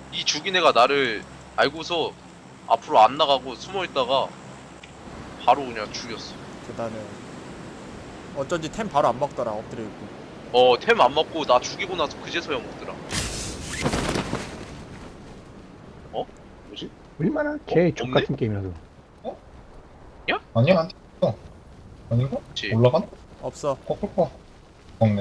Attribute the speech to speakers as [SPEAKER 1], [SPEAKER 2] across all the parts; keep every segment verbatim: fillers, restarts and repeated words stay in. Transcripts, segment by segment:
[SPEAKER 1] 이 죽인 애가 나를 알고서 앞으로 안 나가고 숨어 있다가 바로 그냥 죽였어.
[SPEAKER 2] 계단은 어쩐지 템 바로 안 먹더라. 엎드려 있고.
[SPEAKER 1] 어, 템 안 먹고 나 죽이고 나서 그제서야 먹더라. 어? 뭐지?
[SPEAKER 3] 얼마나
[SPEAKER 1] 어?
[SPEAKER 3] 개
[SPEAKER 1] 없네?
[SPEAKER 3] 족같은 게임이라서.
[SPEAKER 4] 아니야 안 튀어. 아닌가?
[SPEAKER 1] 그치.
[SPEAKER 4] 올라가나?
[SPEAKER 2] 없어.
[SPEAKER 4] 꺾을 거 없네.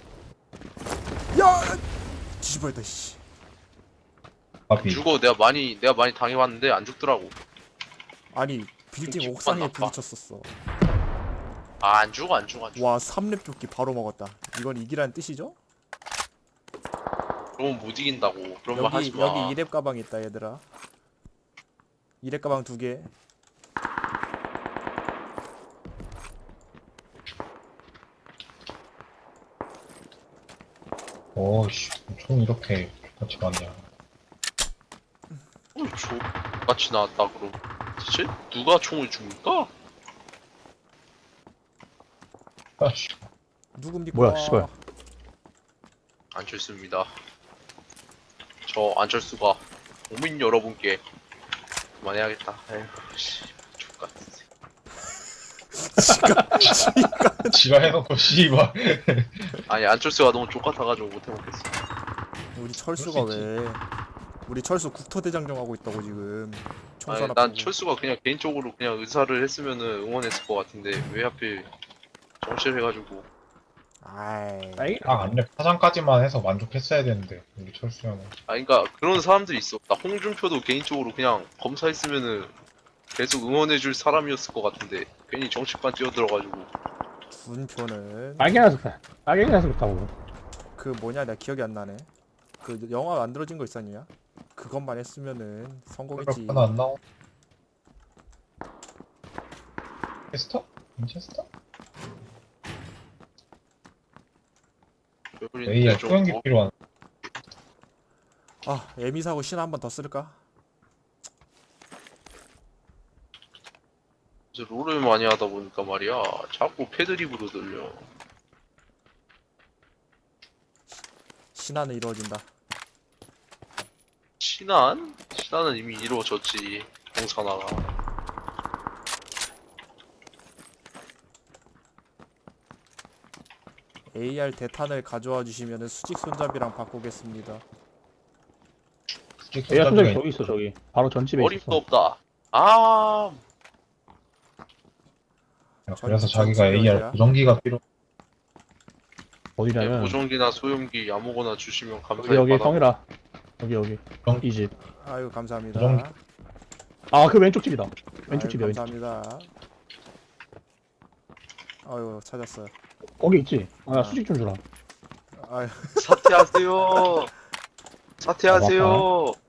[SPEAKER 2] 야! 뒤집어야다 씨.
[SPEAKER 4] 바비.
[SPEAKER 1] 죽어. 내가 많이 내가 많이 당해봤는데 안 죽더라고.
[SPEAKER 2] 아니 빌딩
[SPEAKER 1] 기분
[SPEAKER 2] 옥상에
[SPEAKER 1] 나빠.
[SPEAKER 2] 부딪혔었어.
[SPEAKER 1] 아, 안 죽어 안 죽어 안 죽어.
[SPEAKER 2] 와 삼 렙 조끼 바로 먹었다. 이건 이기라는 뜻이죠?
[SPEAKER 1] 그러면 못 이긴다고. 그런 말
[SPEAKER 2] 여기
[SPEAKER 1] 하지 마.
[SPEAKER 2] 여기 이 렙 가방 있다 얘들아. 이 렙 가방 두 개.
[SPEAKER 4] 오씨, 총 이렇게 같이 많냐.
[SPEAKER 1] 어, 저 같이 나왔다 그럼. 대체 누가 총을 줍니까?
[SPEAKER 4] 아씨,
[SPEAKER 2] 누굽니까?
[SPEAKER 3] 뭐야, 씨발.
[SPEAKER 1] 안철수입니다. 저 안철수가 국민 여러분께 그만해야겠다. 에휴 씨. X같은 새끼.
[SPEAKER 4] 지가 해놓고 씨발.
[SPEAKER 1] 아니 안철수가 너무 족같아가지고 못해먹겠어.
[SPEAKER 2] 우리 철수가
[SPEAKER 4] 그럴 수
[SPEAKER 2] 왜? 우리 철수 국토대장정 하고 있다고 지금. 총선
[SPEAKER 1] 아니,
[SPEAKER 2] 앞두고.
[SPEAKER 1] 난 철수가 그냥 개인적으로 그냥 의사를 했으면은 응원했을 것 같은데 왜 하필 정치를 해가지고.
[SPEAKER 2] 아이.
[SPEAKER 3] 아이,
[SPEAKER 4] 아 아니야, 파장까지만 해서 만족했어야 되는데 우리 철수 형은.
[SPEAKER 1] 아 그니까 그런 사람들이 있어. 나 홍준표도 개인적으로 그냥 검사했으면은 계속 응원해줄 사람이었을 것 같은데 괜히 정치판 뛰어들어가지고.
[SPEAKER 2] 준표는
[SPEAKER 3] 빨개나서 그래. 빨개나서 그렇다고.
[SPEAKER 2] 그 뭐냐 내가 기억이 안 나네. 그 영화 만들어진 거 있었냐? 그것만 했으면은 성공했지.
[SPEAKER 4] 하나 안 나와. 체스터? 인체스터? 에이야,
[SPEAKER 1] 좀
[SPEAKER 4] 소형기
[SPEAKER 1] 뭐,
[SPEAKER 4] 필요한.
[SPEAKER 2] 아 에미 사고 신화 한 번 더 쓸까?
[SPEAKER 1] 이제 롤을 많이 하다 보니까 말이야 자꾸 패드립으로 들려.
[SPEAKER 2] 신화는 이루어진다.
[SPEAKER 1] 신한? 신한은 이미 이루어졌지. 공산화가.
[SPEAKER 2] 에이알 대탄을 가져와 주시면은 수직 손잡이랑 바꾸겠습니다.
[SPEAKER 3] 에이아 손잡이 저기 있어, 저기. 바로 전집에
[SPEAKER 1] 어림도
[SPEAKER 3] 있어.
[SPEAKER 1] 없다. 아,
[SPEAKER 4] 그래서
[SPEAKER 2] 전-
[SPEAKER 4] 자기가
[SPEAKER 2] 전집이
[SPEAKER 4] 에이알
[SPEAKER 2] 어디야?
[SPEAKER 4] 고정기가 필요.
[SPEAKER 1] 네,
[SPEAKER 3] 어디냐면,
[SPEAKER 1] 보정기나 소형기 아무거나 주시면
[SPEAKER 3] 여기,
[SPEAKER 1] 감사히
[SPEAKER 3] 여기,
[SPEAKER 1] 받아.
[SPEAKER 3] 성이라. 여기, 여기.
[SPEAKER 4] 정-
[SPEAKER 3] 이 집.
[SPEAKER 2] 아유 감사합니다.
[SPEAKER 4] 그럼-
[SPEAKER 3] 아, 그 왼쪽 집이다. 왼쪽
[SPEAKER 2] 아유,
[SPEAKER 3] 집이야, 왼쪽 집.
[SPEAKER 2] 감사합니다. 아유 찾았어요.
[SPEAKER 3] 거기 있지? 아, 나
[SPEAKER 2] 아.
[SPEAKER 3] 수직 좀 주라.
[SPEAKER 2] 아유
[SPEAKER 1] 사퇴하세요. 사퇴하세요.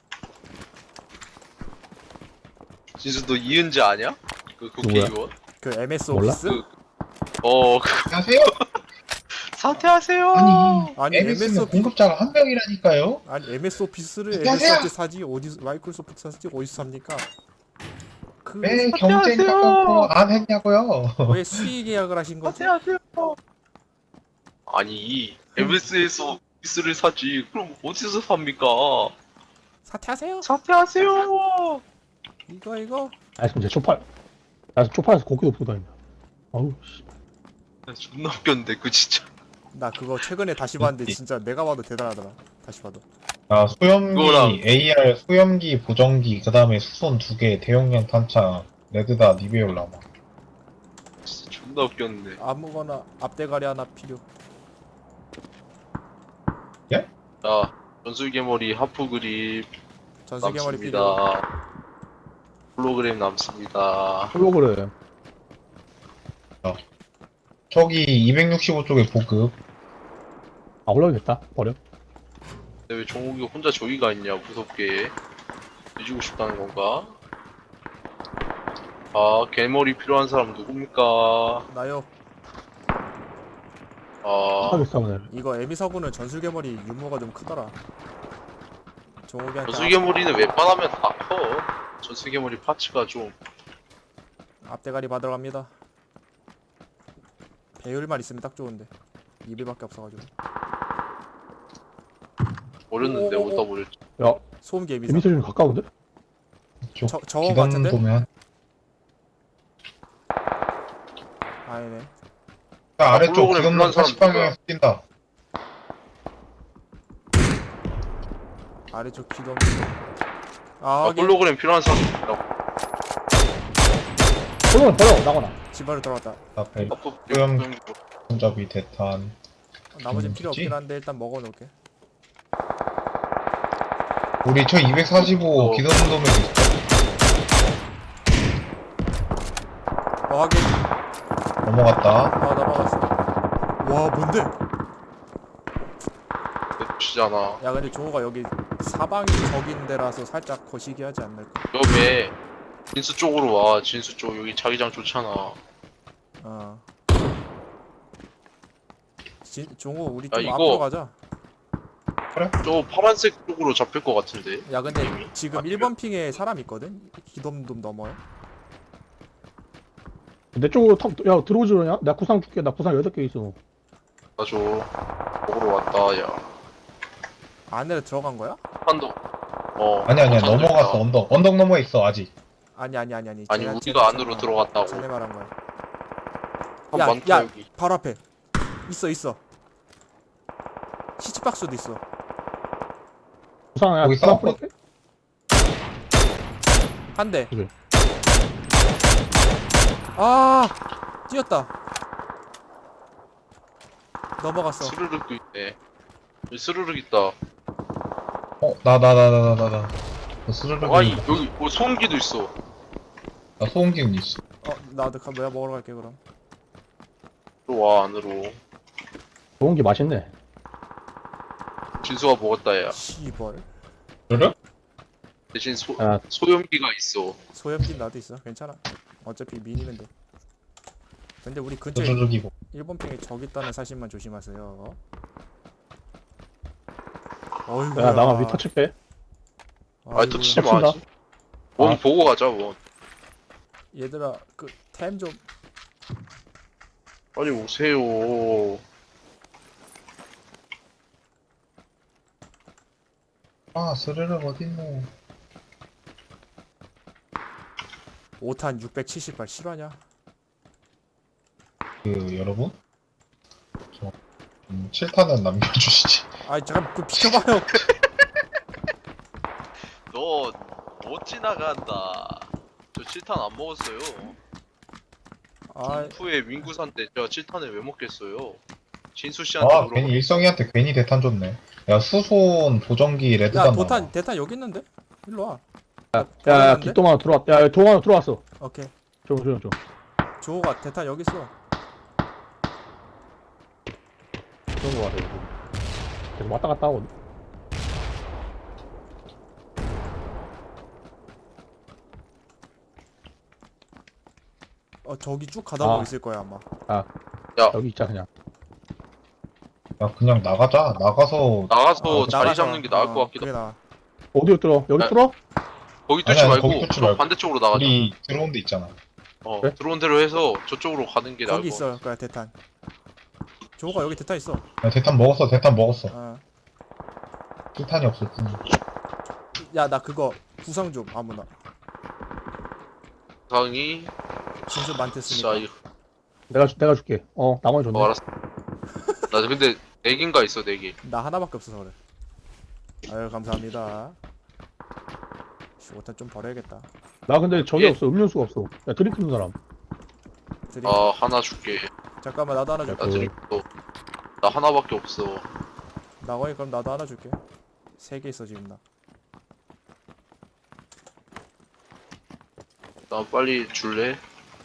[SPEAKER 1] 진수 너 이은재 아냐? 그 국회의원?
[SPEAKER 2] 그 엠에스
[SPEAKER 3] 몰라?
[SPEAKER 2] 오피스?
[SPEAKER 1] 그, 어, 그,
[SPEAKER 4] 안녕하세요.
[SPEAKER 1] 사퇴하세요.
[SPEAKER 4] 아니,
[SPEAKER 2] 아니
[SPEAKER 4] 엠에스는
[SPEAKER 2] 엠에스 오피스
[SPEAKER 4] 공급자가 한 명이라니까요.
[SPEAKER 2] 아니 엠에스 오피스를
[SPEAKER 4] 안녕하세요.
[SPEAKER 2] 엠에스 오피스 사지 어디 마이크로소프트 사지 어디서 삽니까? 그
[SPEAKER 4] 왜
[SPEAKER 1] 사퇴하세요.
[SPEAKER 4] 경쟁 깎고 안 했냐고요.
[SPEAKER 2] 왜 수의 계약을 하신 거지?
[SPEAKER 1] 사퇴하세요. 아니, 엠에스에서 피스를 사지. 그럼 어디서 삽니까?
[SPEAKER 2] 사퇴하세요.
[SPEAKER 1] 사퇴하세요.
[SPEAKER 2] 이거 이거
[SPEAKER 3] 아, 지금 제 초팔. 나 초팔에서 고기도 보고 다닌다. 어우, 씨.
[SPEAKER 1] 존나 웃겼는데, 그 진짜.
[SPEAKER 2] 나 그거 최근에 다시 봤는데 진짜 내가 봐도 대단하더라. 다시 봐도.
[SPEAKER 4] 아, 소염기,
[SPEAKER 1] 그거랑-
[SPEAKER 4] 에이알, 소염기, 보정기, 그 다음에 수손 두 개, 대용량 탄창, 레드다, 니베올라마.
[SPEAKER 1] 진짜 존나 웃겼는데.
[SPEAKER 2] 아무거나 앞대가리 하나 필요.
[SPEAKER 1] 자, 전술개머리 하프 그립
[SPEAKER 2] 전술개머리 필요.
[SPEAKER 1] 남습니다. 홀로그램 남습니다.
[SPEAKER 3] 홀로그램.
[SPEAKER 4] 저기 이백육십오 쪽에 보급.
[SPEAKER 3] 아, 올라오겠다. 버려.
[SPEAKER 1] 근데 왜 정욱이가 혼자 저기가 있냐, 무섭게. 뒤지고 싶다는 건가? 아, 개머리 필요한 사람 누굽니까?
[SPEAKER 2] 나요.
[SPEAKER 1] 아,
[SPEAKER 3] 하겠어, 오늘.
[SPEAKER 2] 이거 에미사고는 전술개머리 유무가 좀 크더라. 종욱이한테
[SPEAKER 1] 전술개머리는 웬만하면 다 커. 전술개머리 파츠가 좀.
[SPEAKER 2] 앞, 앞대가리 받으러 갑니다. 배율만 있으면 딱 좋은데 이불밖에 없어가지고.
[SPEAKER 1] 버렸는데
[SPEAKER 2] 오, 오, 오.
[SPEAKER 1] 어디다 버렸지?
[SPEAKER 3] 야,
[SPEAKER 2] 소음 개미사.
[SPEAKER 3] 재밌어 좀 가까운데?
[SPEAKER 4] 쪽
[SPEAKER 2] 저- 저거 같은데?
[SPEAKER 4] 기동도면
[SPEAKER 2] 아니네.
[SPEAKER 4] 야, 아래쪽
[SPEAKER 1] 홀로그램
[SPEAKER 4] 기동도
[SPEAKER 1] 불난 사람
[SPEAKER 4] 사십 방향에서 뛴다.
[SPEAKER 2] 아래쪽 기동. 아,
[SPEAKER 1] 아,
[SPEAKER 2] 하긴
[SPEAKER 1] 홀로그램 필요한 사람 있다고.
[SPEAKER 3] 그러면 버려 나거나.
[SPEAKER 2] 집안으로 들어갔다.
[SPEAKER 4] 앞에
[SPEAKER 1] 아프
[SPEAKER 4] 소형-
[SPEAKER 1] 소형-
[SPEAKER 4] 손잡이 대탄.
[SPEAKER 2] 나머지
[SPEAKER 4] 음,
[SPEAKER 2] 필요
[SPEAKER 4] 그치?
[SPEAKER 2] 없긴 한데 일단 먹어놓을게.
[SPEAKER 4] 우리 저 이백사십오
[SPEAKER 1] 어.
[SPEAKER 4] 기동도면 있어.
[SPEAKER 2] 어, 하긴.
[SPEAKER 4] 넘어갔다.
[SPEAKER 2] 아, 넘어갔어. 와, 뭔데?
[SPEAKER 1] 치잖아.
[SPEAKER 2] 야, 근데 종호가 여기 사방이 적인 데라서 살짝 거시기 하지 않을까?
[SPEAKER 1] 여기 진수 쪽으로 와. 진수 쪽 여기 자기장 좋잖아.
[SPEAKER 2] 어. 진, 종호, 우리
[SPEAKER 1] 야,
[SPEAKER 2] 좀
[SPEAKER 1] 이거-
[SPEAKER 2] 앞으로 가자.
[SPEAKER 1] 저 파란색 쪽으로 잡힐 것 같은데.
[SPEAKER 2] 야, 근데
[SPEAKER 1] 이미?
[SPEAKER 2] 지금
[SPEAKER 1] 아,
[SPEAKER 2] 일 번 핑에 사람 있거든? 기돔돔 넘어요.
[SPEAKER 3] 내 쪽으로 턱, 야 들어오지 그러냐? 나 구상 줄게. 나 구상 여덟 개 있어.
[SPEAKER 1] 맞아. 먹으러 왔다. 야.
[SPEAKER 2] 안으로 들어간 거야?
[SPEAKER 1] 한도. 어.
[SPEAKER 4] 아니 아니야
[SPEAKER 1] 한도
[SPEAKER 4] 넘어갔어
[SPEAKER 1] 있다.
[SPEAKER 4] 언덕. 언덕 넘어에 있어 아직.
[SPEAKER 2] 아니, 아니, 아니, 아니.
[SPEAKER 1] 아니
[SPEAKER 2] 쟤네-
[SPEAKER 1] 우리가
[SPEAKER 2] 쟤네-
[SPEAKER 1] 안으로
[SPEAKER 2] 쟤네-
[SPEAKER 1] 들어갔다고.
[SPEAKER 2] 쟤네 말한 거야.
[SPEAKER 1] 한
[SPEAKER 2] 야,
[SPEAKER 1] 많다
[SPEAKER 2] 야,
[SPEAKER 1] 여기.
[SPEAKER 2] 바로 앞에. 있어, 있어. 시치박스도 있어.
[SPEAKER 3] 구상 야
[SPEAKER 4] 거기
[SPEAKER 3] 구상
[SPEAKER 4] 싸워.
[SPEAKER 3] 뿌릴게.
[SPEAKER 2] 한 대.
[SPEAKER 3] 그래.
[SPEAKER 2] 아, 뛰었다. 넘어갔어.
[SPEAKER 1] 스르륵도 있네. 여기 스르륵 있다.
[SPEAKER 4] 어나 나 나 나 나 나. 나 스르륵.
[SPEAKER 1] 아이 여기 뭐 소음기도 있어.
[SPEAKER 4] 나 소음기운 있어.
[SPEAKER 2] 어, 나도 가, 뭐야 먹으러 갈게 그럼.
[SPEAKER 1] 들어와 안으로.
[SPEAKER 3] 좋은 게 맛있네.
[SPEAKER 1] 진수가 먹었다 야.
[SPEAKER 2] 시벌.
[SPEAKER 4] 스르륵?
[SPEAKER 1] 대신 소
[SPEAKER 3] 야,
[SPEAKER 1] 소염기가 있어.
[SPEAKER 2] 소염기 나도 있어. 괜찮아. 어차피 미니면 돼. 근데 우리 근처에
[SPEAKER 4] 스르륵이고.
[SPEAKER 2] 일 번 핑에 적 있다는 사실만 조심하세요. 어이구야.
[SPEAKER 3] 야 나만 위 터칠게.
[SPEAKER 1] 아이 또 치지
[SPEAKER 3] 겹친다.
[SPEAKER 1] 마지. 원
[SPEAKER 3] 아.
[SPEAKER 1] 보고 가자 원.
[SPEAKER 2] 얘들아 그 템 좀.
[SPEAKER 1] 빨리 오세요.
[SPEAKER 4] 아 스르륵 어딨노.
[SPEAKER 2] 오 탄 육백칠십발 실화냐?
[SPEAKER 4] 그 여러분 저 음, 칠 탄은 남겨주시지.
[SPEAKER 2] 아이 잠깐 그 비켜봐요.
[SPEAKER 1] 너 못 지나간다. 저 칠 탄 안 먹었어요.
[SPEAKER 2] 아,
[SPEAKER 1] 후에 민구산 때 저 칠 탄을 왜 먹겠어요? 진수 씨한테
[SPEAKER 4] 아
[SPEAKER 1] 물어봐.
[SPEAKER 4] 괜히 일성이한테 괜히 대탄 줬네. 야 수손 보정기
[SPEAKER 2] 야
[SPEAKER 4] 레드단
[SPEAKER 2] 도탄
[SPEAKER 4] 나와.
[SPEAKER 2] 대탄 여기 있는데? 일로 와.
[SPEAKER 3] 야야
[SPEAKER 2] 버렸는데?
[SPEAKER 3] 뒷동 하나 들어왔. 야 동 하나 들어왔어.
[SPEAKER 2] 오케이.
[SPEAKER 3] 저 저 저.
[SPEAKER 2] 조호가 대탄 여기 있어.
[SPEAKER 3] 그런 거 같아. 이거. 계속 왔다 갔다 하거든.
[SPEAKER 2] 어 저기 쭉 가다
[SPEAKER 3] 아.
[SPEAKER 2] 보고 있을 거야 아마.
[SPEAKER 3] 여기 있자 그냥.
[SPEAKER 4] 야 그냥 나가자. 나가서
[SPEAKER 1] 나가서
[SPEAKER 2] 어,
[SPEAKER 1] 자리
[SPEAKER 2] 나가서,
[SPEAKER 1] 잡는 게 나을
[SPEAKER 2] 어,
[SPEAKER 1] 것 같기도
[SPEAKER 2] 그래
[SPEAKER 1] 하고.
[SPEAKER 2] 나.
[SPEAKER 3] 어디로 뚫어? 여기
[SPEAKER 1] 아,
[SPEAKER 3] 뚫어?
[SPEAKER 1] 거기
[SPEAKER 4] 아니,
[SPEAKER 1] 뚫지
[SPEAKER 4] 아니,
[SPEAKER 1] 말고
[SPEAKER 4] 거기 뚫지
[SPEAKER 1] 저
[SPEAKER 4] 말고.
[SPEAKER 1] 반대쪽으로 나가자.
[SPEAKER 4] 우리 들어온 데 있잖아.
[SPEAKER 1] 어,
[SPEAKER 3] 그래?
[SPEAKER 1] 들어온 대로 해서 저쪽으로 가는 게 나을
[SPEAKER 2] 거기
[SPEAKER 1] 것
[SPEAKER 2] 있어 거야 대탄. 조호가 여기 대탄 있어.
[SPEAKER 4] 야 대탄 먹었어. 대탄 먹었어.
[SPEAKER 2] 어.
[SPEAKER 4] 칠탄이 없을 뿐.
[SPEAKER 2] 야 나 그거 구상 좀 아무나.
[SPEAKER 1] 상이.
[SPEAKER 2] 진수 많대 쓰니까.
[SPEAKER 1] 자, 이거
[SPEAKER 3] 내가 주- 내가 줄게. 어 나머지 줬네.
[SPEAKER 1] 어, 알았어. 나 근데 네 개인가 있어 네 개.
[SPEAKER 2] 나 하나밖에 없어서 그래. 아유 감사합니다. 씨, 오탄 좀 버려야겠다.
[SPEAKER 3] 나 근데 저기
[SPEAKER 1] 예.
[SPEAKER 3] 없어. 음료수가 없어. 야 드링크 는 사람.
[SPEAKER 2] 드링.
[SPEAKER 1] 아 하나 줄게.
[SPEAKER 2] 잠깐만 나도 하나 줄게.
[SPEAKER 1] 나
[SPEAKER 3] 그-
[SPEAKER 1] 드링크. 나 하나밖에 없어.
[SPEAKER 2] 나거니 그럼 나도 하나 줄게. 세 개 있어 지금 나.
[SPEAKER 1] 나 빨리 줄래?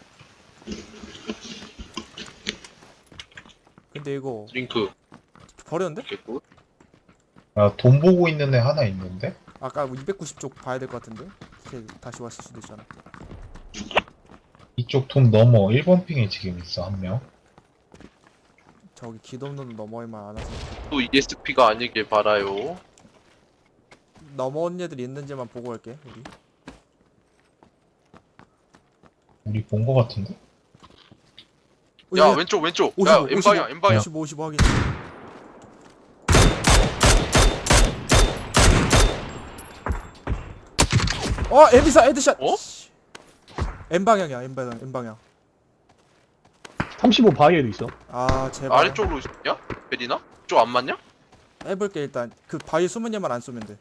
[SPEAKER 2] 근데 이거
[SPEAKER 1] 드링크.
[SPEAKER 2] 버렸는데?
[SPEAKER 1] 됐고.
[SPEAKER 4] 야 돈 보고 있는 애 하나 있는데?
[SPEAKER 2] 아까 이백구십 쪽 봐야 될 것 같은데? 걔 다시 왔을 수도 있잖아.
[SPEAKER 4] 이쪽 돈 넘어. 일 번 핑에 지금 있어 한 명.
[SPEAKER 2] 저기 기동도는 넘어올만 안 와서
[SPEAKER 1] 또 이에스피가 아니길 바라요.
[SPEAKER 2] 넘어온 애들 있는지만 보고 갈게 우리.
[SPEAKER 4] 우리 본 거 같은데?
[SPEAKER 2] 어,
[SPEAKER 1] 야
[SPEAKER 2] 얘
[SPEAKER 1] 왼쪽 왼쪽.
[SPEAKER 2] 오십오,
[SPEAKER 1] 야 엠방향 엠방향.
[SPEAKER 2] 오십오 오십오 확인. 어 에미사 헤드샷.
[SPEAKER 1] 어?
[SPEAKER 2] 씨. M 방향이야 M 방향 M 방향.
[SPEAKER 3] 삼십오 바위에도 있어.
[SPEAKER 2] 아 제발.
[SPEAKER 1] 아래쪽으로 있냐? 베리나? 쪽 안 맞냐?
[SPEAKER 2] 해볼게 일단. 그 바위 숨은 얘만 안 쏘면 돼.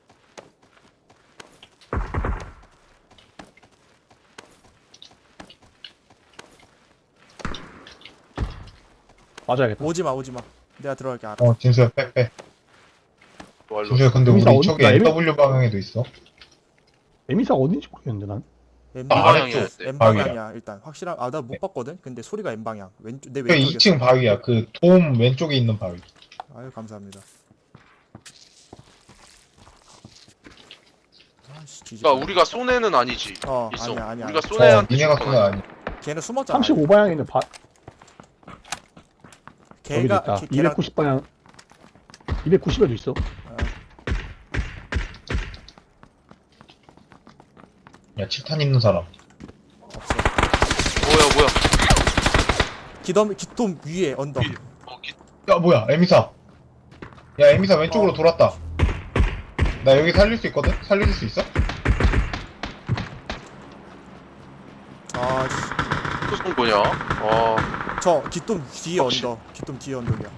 [SPEAKER 3] 맞아야겠다.
[SPEAKER 2] 오지마 오지마. 내가 들어갈게 알아.
[SPEAKER 4] 어, 진수야, 빼, 빼.
[SPEAKER 1] 말로.
[SPEAKER 4] 진수야, 근데
[SPEAKER 3] 에미사
[SPEAKER 4] 우리
[SPEAKER 3] 어디-
[SPEAKER 4] 저기
[SPEAKER 3] 나 에미-
[SPEAKER 4] 엔더블유 방향에도 있어.
[SPEAKER 3] 에미사가 어딘지 모르겠는데 난.
[SPEAKER 2] M
[SPEAKER 4] 아,
[SPEAKER 2] 방향.
[SPEAKER 1] 아래쪽.
[SPEAKER 2] M
[SPEAKER 4] 바위야.
[SPEAKER 2] 방향이야 일단 확실한. 아 나 못 봤거든. 근데 소리가 M 방향. 왼쪽 내
[SPEAKER 4] 그
[SPEAKER 2] 왼쪽이었어.
[SPEAKER 4] 이 층 바위야. 그 돔 왼쪽에 있는 바위.
[SPEAKER 2] 아유 감사합니다. 아씨 뒤집.
[SPEAKER 1] 그러니까 우리가 쏜 애는 아니지.
[SPEAKER 2] 어
[SPEAKER 1] 있어.
[SPEAKER 2] 아니야 아니야.
[SPEAKER 1] 우리가 쏜
[SPEAKER 4] 저
[SPEAKER 1] 애한테
[SPEAKER 4] 니네가
[SPEAKER 1] 준
[SPEAKER 4] 쓰는
[SPEAKER 1] 건
[SPEAKER 4] 아니.
[SPEAKER 2] 걔는 숨었잖아.
[SPEAKER 3] 삼십오 방향에 있는 바 여기도
[SPEAKER 2] 걔가
[SPEAKER 3] 있다.
[SPEAKER 2] 걔, 걔랑
[SPEAKER 3] 이백구십 방향. 이백구십에도 있어.
[SPEAKER 4] 야, 칠탄 있는 사람.
[SPEAKER 2] 없어.
[SPEAKER 1] 뭐야 뭐야.
[SPEAKER 2] 기덤 기돔 위에 언덕.
[SPEAKER 1] 위- 어, 기...
[SPEAKER 4] 야, 뭐야, 에미사. 야, 에미사 왼쪽으로
[SPEAKER 2] 어.
[SPEAKER 4] 돌았다. 나 여기 살릴 수 있거든? 살릴 수 있어?
[SPEAKER 2] 아씨.
[SPEAKER 1] 또쏜 거냐? 아,
[SPEAKER 2] 저 기돔 뒤에
[SPEAKER 1] 혹시-
[SPEAKER 2] 언덕. 기돔 뒤에 언덕이야.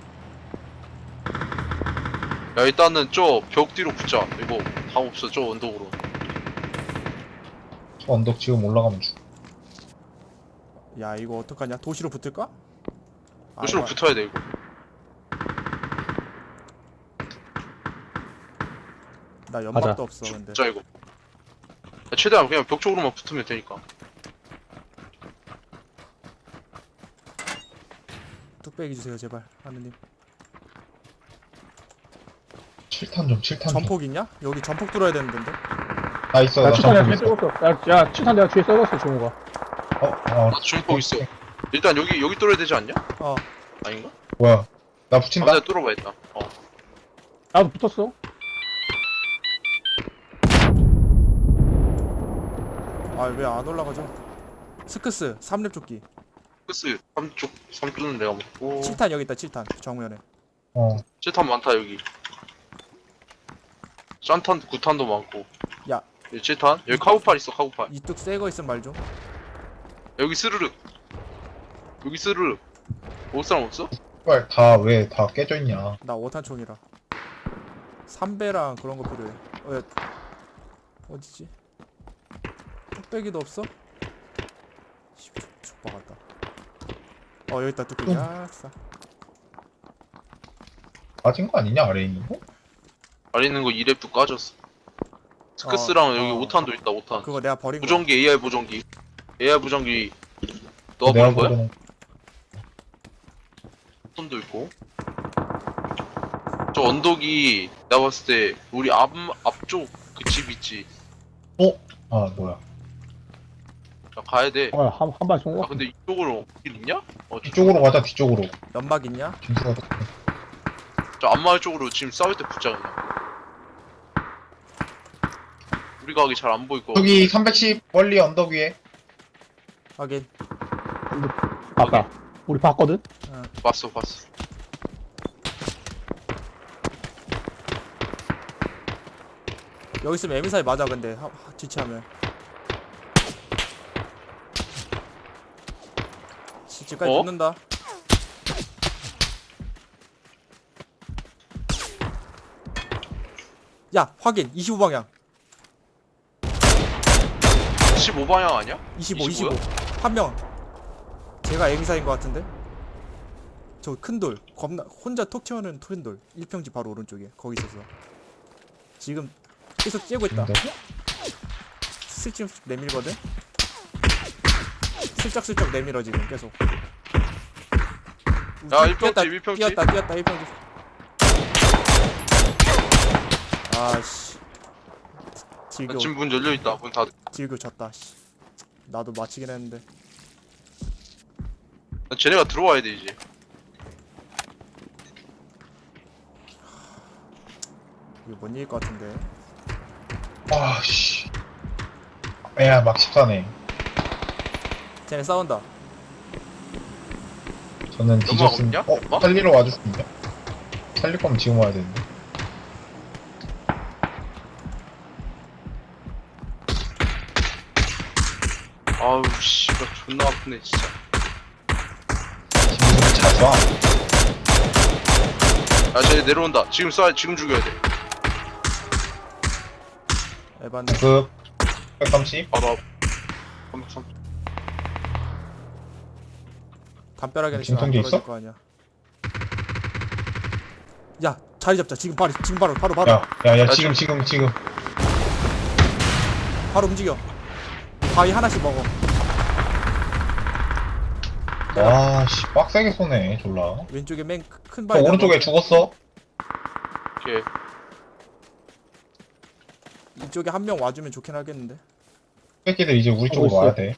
[SPEAKER 1] 야 일단은 저 벽 뒤로 붙자. 이거 방 없어. 저 언덕으로.
[SPEAKER 4] 저 언덕 지금 올라가면 죽.
[SPEAKER 2] 야 이거 어떡하냐? 도시로 붙을까? 아,
[SPEAKER 1] 도시로
[SPEAKER 2] 이거-
[SPEAKER 1] 붙어야 돼 이거.
[SPEAKER 2] 나 연막도
[SPEAKER 3] 가자.
[SPEAKER 2] 없어 근데.
[SPEAKER 1] 붙자 이거. 야, 최대한 그냥 벽 쪽으로만 붙으면 되니까.
[SPEAKER 2] 뚝배기 주세요 제발 하느님.
[SPEAKER 4] 칠탄 좀, 칠탄 좀.
[SPEAKER 2] 전폭 있냐? 여기 전폭 뚫어야 되는 데인데.
[SPEAKER 4] 나 있어,
[SPEAKER 3] 야
[SPEAKER 4] 나
[SPEAKER 3] 칠탄 내가
[SPEAKER 4] 전폭
[SPEAKER 3] 뒤에
[SPEAKER 4] 있어.
[SPEAKER 3] 썩었어. 야, 야 칠탄 내가 뒤에 썩었어 종호가.
[SPEAKER 4] 어, 어.
[SPEAKER 1] 나도 중폭 있어. 일단 여기 여기 뚫어야 되지 않냐?
[SPEAKER 2] 어.
[SPEAKER 1] 아닌가?
[SPEAKER 4] 뭐야. 나
[SPEAKER 1] 아,
[SPEAKER 4] 붙인다?
[SPEAKER 1] 내가 뚫어봐 일단. 어.
[SPEAKER 3] 나도 붙었어.
[SPEAKER 2] 아 왜 안 올라가죠? 스크스 삼 렙 조끼.
[SPEAKER 1] 끝스 삼쪽 삼쪽은 내가 먹고.
[SPEAKER 2] 칠 탄 여기 있다. 칠 탄 정면에.
[SPEAKER 4] 어.
[SPEAKER 1] 칠탄 많다 여기. 짠탄 구탄도 많고.
[SPEAKER 2] 야.
[SPEAKER 1] 여기 칠탄. 여기 카우팔 있어 카우팔.
[SPEAKER 2] 이뚝 새거 있으면 말 좀.
[SPEAKER 1] 여기 스르륵. 여기 스르륵. 올 사람 없어?
[SPEAKER 4] 빨 다, 왜 다 깨져있냐.
[SPEAKER 2] 나 오 탄 총이라. 삼배랑 그런 거 필요해. 어, 야. 어디지? 뚝배기도 없어? 씨, 죽박았다. 어 여기 있다 뚝배기.
[SPEAKER 4] 응.
[SPEAKER 2] 아싸.
[SPEAKER 4] 빠진 거 아니냐, 아래에 있는 거?
[SPEAKER 1] 아래 있는 거 이 랩도 까졌어. 스크스랑
[SPEAKER 2] 어,
[SPEAKER 1] 여기
[SPEAKER 2] 어.
[SPEAKER 1] 오 탄도 있다 오 탄.
[SPEAKER 2] 그거 내가 버린 거.
[SPEAKER 1] 무전기 에이아이 무전기. 에이아이 무전기. 너가
[SPEAKER 4] 내가
[SPEAKER 1] 보는 거야?
[SPEAKER 4] 보는
[SPEAKER 1] 손도 있고. 저 언덕이 내가 봤을 때 우리 앞 앞쪽 그 집 있지.
[SPEAKER 4] 아, 뭐야.
[SPEAKER 1] 야, 가야 돼.
[SPEAKER 3] 어, 한 한 발 쏜
[SPEAKER 1] 아
[SPEAKER 3] 거.
[SPEAKER 1] 근데 이쪽으로 길 있냐? 어,
[SPEAKER 4] 뒤쪽으로 가자, 뒤쪽으로.
[SPEAKER 2] 연막 있냐?
[SPEAKER 4] 진수가
[SPEAKER 1] 저 앞마을 쪽으로 지금 싸울 때 붙자 그냥. 우리가 가기 잘 안 보일 거.
[SPEAKER 4] 저기 삼백십 멀리 언덕 위에.
[SPEAKER 2] 확인.
[SPEAKER 3] 봤다. 우리 봤거든.
[SPEAKER 1] 봤어 봤어.
[SPEAKER 2] 여기 있으면 에미사이 맞아 근데 하, 하, 뒤치하면. 지- 집까지
[SPEAKER 1] 어?
[SPEAKER 2] 붙는다. 야 확인 이십오 방향.
[SPEAKER 1] 십오 방향 아니야?
[SPEAKER 2] 이십오
[SPEAKER 1] 이십오야?
[SPEAKER 2] 이십오 한 명. 제가 에미사인 것 같은데. 저 큰 돌 겁나 혼자 톡 튀어는 큰 돌 일 평지 바로 오른쪽에 거기 있었어. 지금 계속 째고 있다.
[SPEAKER 4] 언덕?
[SPEAKER 2] 슬쩍 내밀거든. 슬쩍슬쩍 내밀어 지금 계속.
[SPEAKER 1] 야, 일 평집,
[SPEAKER 2] 뛰었다,
[SPEAKER 1] 일 평집.
[SPEAKER 2] 뛰었다 뛰었다 일 평집. 아씨. 질교
[SPEAKER 1] 지금 문 열려 있다. 문 닫.
[SPEAKER 2] 질교 졌다. 씨. 나도 마치긴 했는데.
[SPEAKER 1] 쟤네가 들어와야 돼 이제.
[SPEAKER 2] 이거 못 이길 것 같은데.
[SPEAKER 4] 아, 씨. 야, 막 십사네.
[SPEAKER 2] 쟤네 싸운다.
[SPEAKER 4] 저는
[SPEAKER 1] 연막
[SPEAKER 4] 뒤졌습니다.
[SPEAKER 1] 없냐?
[SPEAKER 4] 어,
[SPEAKER 1] 연막?
[SPEAKER 4] 살리러 와줄 수 있냐? 살릴 거면 지금 와야 되는데.
[SPEAKER 1] 아우 씨발 존나 아프네 진짜.
[SPEAKER 4] 지금 잘 쏴.
[SPEAKER 1] 야 쟤 내려온다. 지금 쏴 지금 죽여야 돼.
[SPEAKER 2] 에반데.
[SPEAKER 4] 그 백삼십.
[SPEAKER 1] 바로 앞. 삼백삼.
[SPEAKER 2] 담벼락에는 지금 안
[SPEAKER 4] 진통제
[SPEAKER 2] 떨어질
[SPEAKER 4] 있어?
[SPEAKER 2] 거 아니야. 야 자리 잡자. 지금 바로 지금 바로 바로 바로
[SPEAKER 4] 야, 야, 야,
[SPEAKER 1] 나
[SPEAKER 4] 지금, 지금, 지금.
[SPEAKER 2] 바로 움직여. 바위 하나씩 먹어. 내가
[SPEAKER 4] 와, 씨, 빡세게 쏘네, 졸라.
[SPEAKER 2] 왼쪽에 맨 큰
[SPEAKER 4] 저
[SPEAKER 2] 바위.
[SPEAKER 4] 오른쪽에
[SPEAKER 2] 내가
[SPEAKER 4] 죽었어?
[SPEAKER 1] 오케이.
[SPEAKER 2] 이쪽에 한 명 와주면 좋긴 하겠는데.
[SPEAKER 4] 새끼들 이제 우리 쪽으로
[SPEAKER 3] 있어.
[SPEAKER 4] 와야 돼.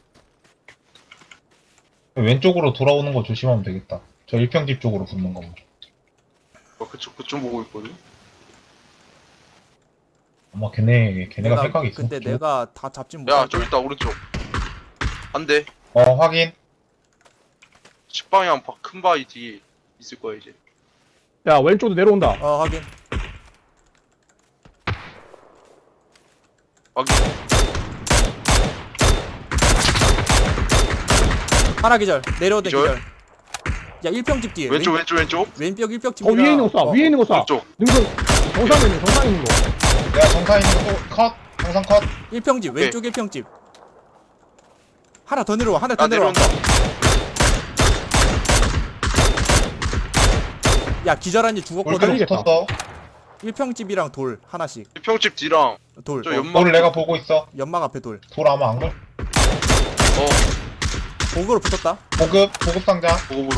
[SPEAKER 4] 왼쪽으로 돌아오는 거 조심하면 되겠다. 저 일평집 쪽으로 붙는 거.
[SPEAKER 1] 어, 그쪽 그쪽 보고 있거든.
[SPEAKER 4] 아마 걔네, 걔네가 생각이 있어.
[SPEAKER 2] 근데 내가 다 잡진
[SPEAKER 1] 야
[SPEAKER 2] 못할
[SPEAKER 1] 저기
[SPEAKER 2] 거야.
[SPEAKER 1] 있다 오른쪽. 안 돼.
[SPEAKER 4] 어, 확인.
[SPEAKER 1] 식방향 바- 큰 바위 뒤에 있을 거야 이제.
[SPEAKER 3] 야, 왼쪽도 내려온다.
[SPEAKER 2] 어 확인.
[SPEAKER 1] 확인.
[SPEAKER 2] 하나 기절. 내려오대
[SPEAKER 1] 기절?
[SPEAKER 2] 기절. 야 일평집 뒤에.
[SPEAKER 1] 왼쪽
[SPEAKER 2] 왼,
[SPEAKER 1] 왼쪽 왼쪽.
[SPEAKER 2] 왼벽 일평집.
[SPEAKER 3] 어, 위에 있는 거 쏴. 위에 있는 거 쏴.
[SPEAKER 1] 오른쪽.
[SPEAKER 3] 능선, 정상에 있는 거, 정상에 있는 거.
[SPEAKER 4] 야, 정상 있는 거 또 컷! 정상 컷!
[SPEAKER 2] 일평집
[SPEAKER 1] 오케이.
[SPEAKER 2] 왼쪽 일평집. 하나 더 내려와. 하나 더
[SPEAKER 1] 아
[SPEAKER 2] 내려와.
[SPEAKER 1] 내려온다.
[SPEAKER 2] 야 기절한 지
[SPEAKER 4] 돌
[SPEAKER 2] 죽었거든.
[SPEAKER 4] 계속
[SPEAKER 3] 살리겠다.
[SPEAKER 4] 붙었어.
[SPEAKER 2] 일평집이랑 돌 하나씩.
[SPEAKER 1] 평집 뒤랑
[SPEAKER 2] 돌.
[SPEAKER 1] 저
[SPEAKER 2] 어,
[SPEAKER 1] 연막.
[SPEAKER 4] 돌을 내가 보고 있어.
[SPEAKER 2] 연막 앞에 돌.
[SPEAKER 4] 돌 아마 안 걸?
[SPEAKER 1] 어
[SPEAKER 2] 보고로 붙었다.
[SPEAKER 4] 보급, 보급 상자.
[SPEAKER 1] 보급으로.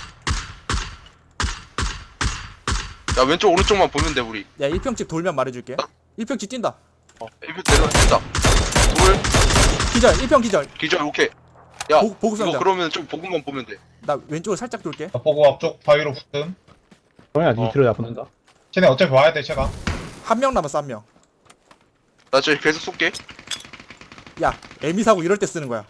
[SPEAKER 1] 야 왼쪽 오른쪽만 보면 돼 우리.
[SPEAKER 2] 야 일평집 돌면 말해줄게. 일평집 뛴다.
[SPEAKER 1] 어 일평 내려온다. 돌
[SPEAKER 2] 기절. 일평 기절.
[SPEAKER 1] 기절 오케이. 야
[SPEAKER 2] 보- 보급
[SPEAKER 1] 이거
[SPEAKER 2] 상자.
[SPEAKER 1] 그러면 좀 보급만 보면 돼.
[SPEAKER 2] 나 왼쪽으로 살짝 돌게.
[SPEAKER 4] 나 보급 앞쪽 바위로 붙음.
[SPEAKER 3] 정현아,
[SPEAKER 1] 어.
[SPEAKER 3] 니 들어야 붙는다.
[SPEAKER 4] 쟤네 어차피 와야 돼, 제가.
[SPEAKER 2] 한 명 남았어 한 명.
[SPEAKER 1] 나 저기 계속 쏠게.
[SPEAKER 2] 야 에미 사고 이럴 때 쓰는 거야.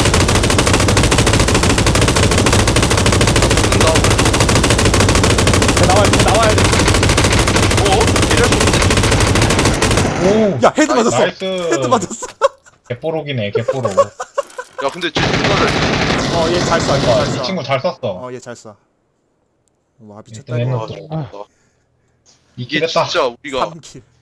[SPEAKER 1] 쏜다.
[SPEAKER 3] 야, 나와야 돼, 나와야 돼.
[SPEAKER 1] 어? 이럴 수 없네.
[SPEAKER 4] 오!
[SPEAKER 2] 야 헤드
[SPEAKER 1] 나이스,
[SPEAKER 2] 맞았어.
[SPEAKER 4] 나이스!
[SPEAKER 2] 헤드 맞았어.
[SPEAKER 4] 개뽀록이네, 개뽀록.
[SPEAKER 1] 야 근데 쟤 존나 잘.
[SPEAKER 2] 어 얘 잘 쏴. 얘
[SPEAKER 4] 와,
[SPEAKER 2] 잘
[SPEAKER 4] 이
[SPEAKER 2] 쏴.
[SPEAKER 4] 친구 잘 쐈어.
[SPEAKER 2] 어 얘 잘 쏴. 와 미쳤다
[SPEAKER 4] 얘는
[SPEAKER 2] 이거.
[SPEAKER 1] 아,
[SPEAKER 4] 또
[SPEAKER 1] 좋다.
[SPEAKER 4] 이길
[SPEAKER 1] 이게
[SPEAKER 4] 했다.
[SPEAKER 1] 진짜 우리가
[SPEAKER 2] 삼 킬.